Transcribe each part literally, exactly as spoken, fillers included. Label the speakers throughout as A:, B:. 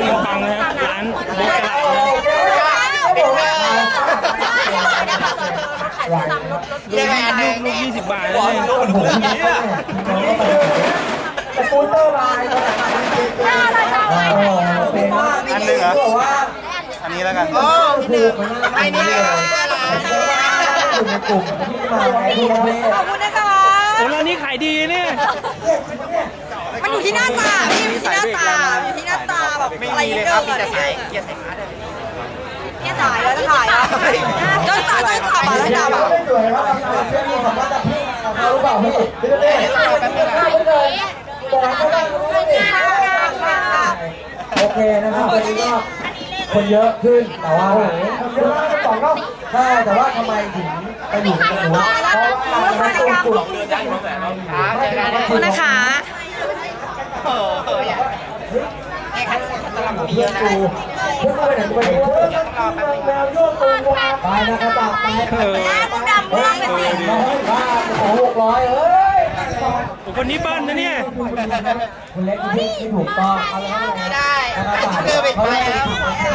A: กินปังนะครับร้านโบ๊ทกระลาลูกลูกยี่สิบบาทเลย
B: สกูตเตอร์ไลน์
C: อันหนึ่งเหรออันนี้แล้วกัน
B: ไอ้นี่อยู่ในกลุ่มที่มาในที่ประเทศ
D: ขอบคุณนะคะ
A: โอ้ร้านนี้ขายดีเนี่ย
D: มันอยู่ที่หน้าตาพี่อยู่ที่หน้าตาอยู่ที่หน้าตาแบบอะไรเยอะเลยจะใส่เกียร์ใส่ขาได้เกียร์ถ่ายแล้วจะถ่ายอ่ะจนจ่าจนขับอ่ะแล้วจ่าแบบ
B: สวยครับเพื่อนมีของว่าจะพี่เขารู้เปล่าพี่พี่เต้บอกเขาได้โอเคนะครับวันนี้ก็คนเยอะขึ้นแต่ว่าคนเยอะมากก็ต้องก็ใช่แต่ว่าทำไมถึงไปอยู่กับหนูเพราะว่าเราเป็นกลุ่ม
D: ขอบคุณนะคะ
B: เพื่อนกูเพื่อนไปไหนไปไหนแมวโยกตัวไปนะครับไปไป
D: กูดำม่วงไปสิ
B: บ้าของหกร้อยเอ้ย
A: คนนี้บ้านนะเนี่ย
B: คุณเล็กที่ที่ถูกต้องเอาแล้ว
D: ไม่ได้
B: เดินไปไปแล้ว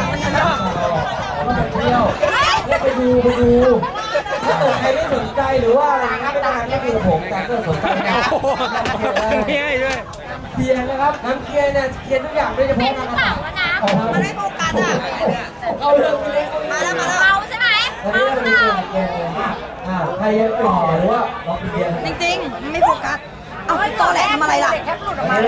B: เที่ยวไปดูไปดูถ้าเกิดใครไม่สนใจหรือว่าอะไรนะไม่ได้ไม่ดูผมแต่ก็สนใจนะ
A: ไม่ให้ด้วย
B: เทียนนะครับน้ำเทียนเนี่ยเทียนทุกอย่างด้วยเฉพาะน้ำเปล่า
D: น้ำมันไม่โฟกัสอ่ะ
B: เอาเรื่องเล็ก
D: มาแล้วมาแล้วเมาใช่ไหมเมาเปล่า
B: ใครยังไม่หอหรือว่าล็อกเทียน
D: จริงๆไม่โฟกัสเอาตัวแหลมอะไรล่ะ